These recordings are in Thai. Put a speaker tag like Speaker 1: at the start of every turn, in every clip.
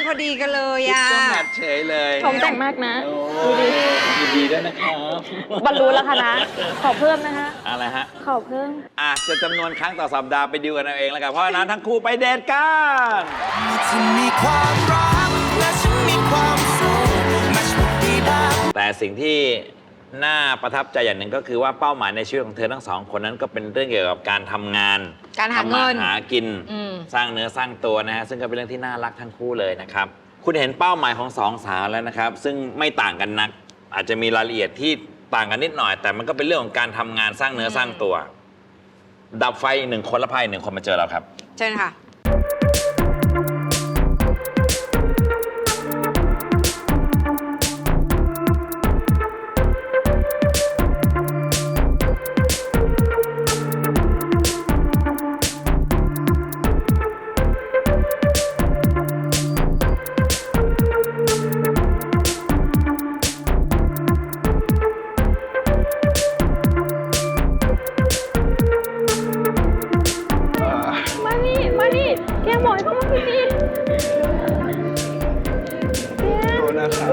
Speaker 1: มันพอดีกันเลยอ่ะ
Speaker 2: ก็แมทเฉยเลย
Speaker 3: ชมแต่งมากนะ
Speaker 2: ดูดิยินดีด้วยนะครับ
Speaker 3: บรรลุแล้วค่ะนะขอเพิ่มนะคะ
Speaker 2: อะไรฮะ
Speaker 3: ขอเพิ่ม
Speaker 2: จะจำนวนครั้งต่อสัปดาห์ไปดูกันเอาเองแล้วกันเพราะฉะนั้นทั้งคู่ไปเดทกัน
Speaker 4: ฉันมีความรักและฉันมีความสุขแมชดีได้
Speaker 2: แต่สิ่งที่น่าประทับใจอย่างหนึ่งก็คือว่าเป้าหมายในชีวิตของเธอทั้งสองคนนั้นก็เป็นเรื่องเกี่ยวกับการทำงาน
Speaker 1: การหาเงิน
Speaker 2: ทำมหากินสร้างเนื้อสร้างตัวนะฮะซึ่งก็เป็นเรื่องที่น่ารักทั้งคู่เลยนะครับคุณเห็นเป้าหมายของสองสาวแล้วนะครับซึ่งไม่ต่างกันนักอาจจะมีรายละเอียดที่ต่างกันนิดหน่อย แต่มันก็เป็นเรื่องของการทำงานสร้างเนื้อสร้างตัว ดับไฟหนึ่งคนและพายหนึ่งคนมาเจอเราครับ
Speaker 1: เชิญค่ะ
Speaker 3: มานี่เกียงบอกให้เขามาคุยดี
Speaker 5: ดูนะครับ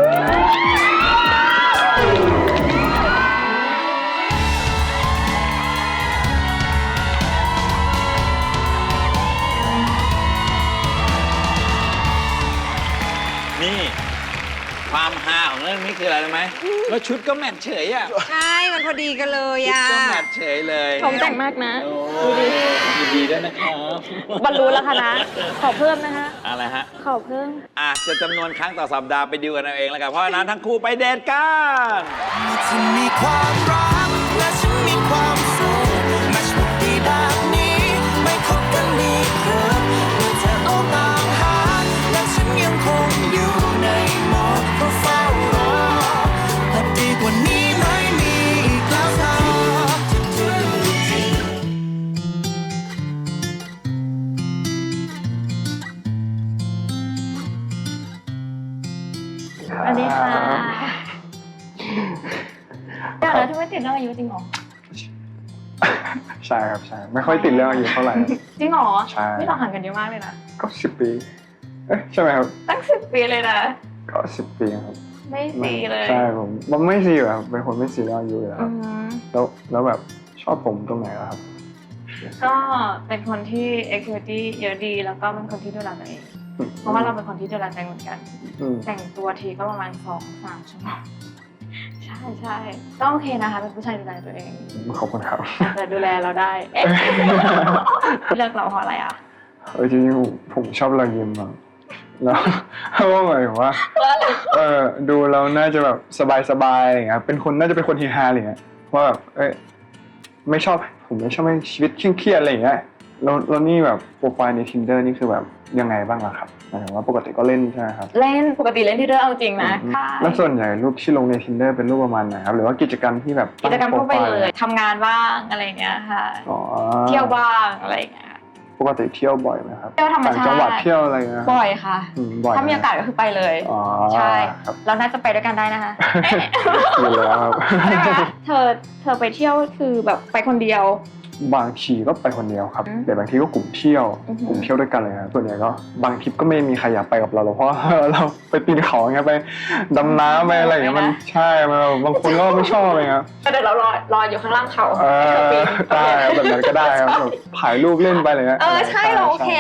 Speaker 2: นี่ความฮาของเรื่องนี้คืออะไรรู้ไหมแล้วชุดก็แมทเฉยอ่ะ
Speaker 1: ใช่มันพอดีกันเลย
Speaker 2: ชุด
Speaker 1: อ่ะ
Speaker 2: ก็แมทเฉยเลย
Speaker 3: ชมแต่งมากนะ
Speaker 2: ดูดิยินดีด้วยนะครับ
Speaker 3: บรรลุแล้วค่ะนะขอเพิ่มนะคะ
Speaker 2: อะไรฮะ
Speaker 3: ขอเพิ่ม
Speaker 2: จะจำนวนครั้งต่อสัปดาห์ไปดูกันเอาเองแล้วกันเพราะฉะนั้นทั้งคู่ไปเดทกัน
Speaker 4: ฉันมีความรักและฉันมีความสุขแมชดีแบบนี้ไม่คบกันดีเกินเมื่อเธอออกตามหาและฉันยังคงอยู่ในโหมดเฝ้ารอและดีกว่านี้ไม่มีอีกแล้วค่ะ
Speaker 3: สวัสดีค่ะเดี๋ยวนะที่ไม่ติดเรื่องอายุจริงเหรอ
Speaker 5: ใช่ครับใช่ไม่ค่อยติดเรื่องอายุเท่าไหร่
Speaker 3: จริงเหรอ
Speaker 5: ใช่
Speaker 3: ไม่เราห่างกันเยอะมากเลยนะ
Speaker 5: ก็10 ปีใช่ไหมครับ
Speaker 3: ตั้ง10 ปีเลยนะ
Speaker 5: ก็10 ปีครับ
Speaker 3: ไม่ซีเลย
Speaker 5: ใช่ผมมันไม่ซีอยู่ครับเป็นคนไม่ซีเรื่องอายุอยู่แล้ว
Speaker 3: อืม
Speaker 5: แล้วแบบชอบผมตรงไหนอะครับ
Speaker 3: ก็เป็นคนที่ activity เยอะดีแล้วก็เป็นคนที่ดูแลตัวเอง เพราะว่าเราเป็นคนที่ดูแลตัวเองเหมือนกัน
Speaker 5: อืม
Speaker 3: แต่งตัวทีก็ประมาณ 2-3 ชั่วโมงใช่ก็โอเคนะคะเป็นผู้ชายดูแลตัวเอง
Speaker 5: ขอบคุณครับ
Speaker 3: อาจจะดูแลเราได้เอ๊ะ เลือกเราเพราะอะไรอ่ะ
Speaker 5: จริงๆผมชอบรอยยิ้มอะแล้วเพราะว่าหมายถึงว่าดูเราน่าจะแบบสบายๆอะไรอย่างเงี้ยเป็นคนน่าจะเป็นคนเฮฮาอะไรอย่างเงี้ยว่าแบบไม่ชอบผมไม่ชอบให้ชีวิตเครียดๆอะไรอย่างเงี้ยแล้วนี่แบบโปรไฟล์ใน Tinder นี่คือแบบยังไงบ้างล่ะครับหมายถึงว่าปกติก็เล่นใช่ไหมครับ
Speaker 3: เล่นปกติเล่นที่เดิมเอาจริงนะค่ะ
Speaker 5: แล้วส่วนใหญ่รูปที่ลงใน Tinder เป็นรูปประมาณไหนครับหรือว่ากิจกรรมที่แบบ
Speaker 3: กิจกรรมทั่วไป
Speaker 5: ตั้งโป
Speaker 3: เล
Speaker 5: รฟ
Speaker 3: ยทำงานบ้างอะไรอย่างเงี้ยค่ะ
Speaker 5: อ๋อ
Speaker 3: เที่ยวบ้างอะไรอย่างเงี้ย
Speaker 5: ปกติเที่ยวบ่อยไหมครับ
Speaker 3: เที่ยวธรรมชาติ
Speaker 5: ต่างจังหวัดเที่ยวอะไรเงี้ย
Speaker 3: บ่อยค่ะ
Speaker 5: บ่อย
Speaker 3: ถ้ามีโอกาสก็คือไปเลย
Speaker 5: อ๋อ
Speaker 3: ใช่
Speaker 5: ครับ
Speaker 3: เราน่าจะไปด้วยกันได้นะคะ
Speaker 5: อยู่แล้วครับ
Speaker 3: ใช่ไหมเธอไปเที่ยวคือแบบไปคนเดียว
Speaker 5: บางทีก็ไปคนเดียวครับ
Speaker 3: อืม
Speaker 5: แต่บางทีก็กลุ่มเที่ยว
Speaker 3: อือหือ
Speaker 5: กลุ่มเที่ยวด้วยกันเลยครับส่วนใหญ่ก็บางทริปก็ไม่มีใครอยากไปกับเราหรอกเพราะว่า เราไปปีนเขาอย่างเงี้ยไปดำน้ำไปอะไรอย่างเงี้ยมันใช่มันบางคนก็ไม่ชอบอะไรเงี้ย
Speaker 3: ก็เดี๋ยวเรารออยู่ข้างล่างเขา
Speaker 5: เอ
Speaker 3: ให้เธอปีน
Speaker 5: ได้ครับแบบนั้นก็ได้ครับแบบถ่ายรูปเล่นไปอะไรเงี้ย
Speaker 3: ใช่เราโอเค